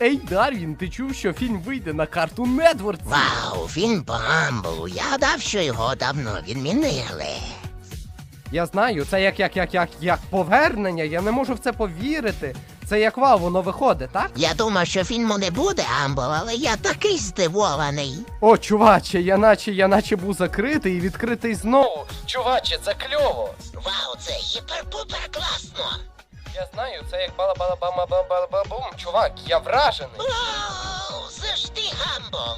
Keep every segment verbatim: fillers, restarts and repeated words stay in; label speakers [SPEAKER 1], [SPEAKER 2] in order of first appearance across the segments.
[SPEAKER 1] Ей, Дарвін, ти чув, що фільм вийде на Cartoon Network?
[SPEAKER 2] Вау, фільм по Гамболу. Я гадав, що його давно відмінили.
[SPEAKER 1] Я знаю, це як, як, як, як, як повернення, я не можу в це повірити. Це як вау, воно виходить, так?
[SPEAKER 2] Я думав, що фільму не буде Гамбол, але я такий здивований.
[SPEAKER 1] О, чуваче, я наче, я наче був закритий і відкритий знову. Чуваче, це кльово.
[SPEAKER 2] Вау, це гіпер-пупер класно.
[SPEAKER 1] Я знаю, це як бала-бала-бама-бала-бала-бум. Чувак, я вражений.
[SPEAKER 2] Вау, це ж ти Гамбол.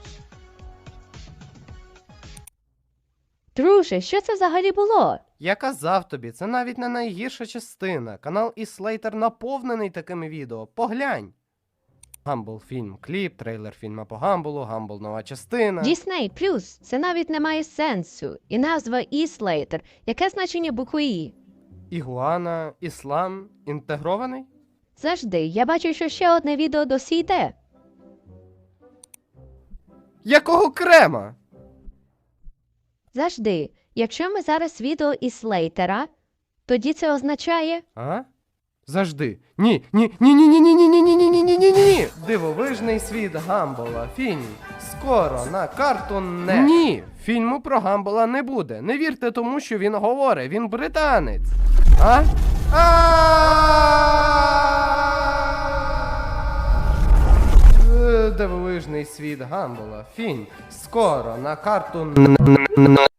[SPEAKER 3] Друже, що це взагалі було?
[SPEAKER 1] Я казав тобі, це навіть не найгірша частина. Канал Іслейтер наповнений такими відео. Поглянь. Гамбл фільм, кліп, трейлер фільма по Гамблу, Гамбл нова частина.
[SPEAKER 3] Disney Plus – це навіть не має сенсу. І назва Іслейтер. Яке значення букви І?
[SPEAKER 1] Ігуана, іслам, інтегрований?
[SPEAKER 3] Завжди, я бачу, що ще одне відео досі йде.
[SPEAKER 1] Якого крема?
[SPEAKER 3] Завжди, якщо ми зараз відео Іслейтера, тоді це означає...
[SPEAKER 1] А? Завжди. Ні, ні, ні, ні, ні, ні, ні, ні, ні, ні, ні, ні, ні, ні. Дивовижний світ Гамбола. Фільм. Скоро на Cartoon Network. Ні, фільму про Гамбола не буде. Не вірте тому, що він говорить. Він британець. А? Е, Дивовижний світ Гамбола. Фільм. Скоро на Cartoon Network.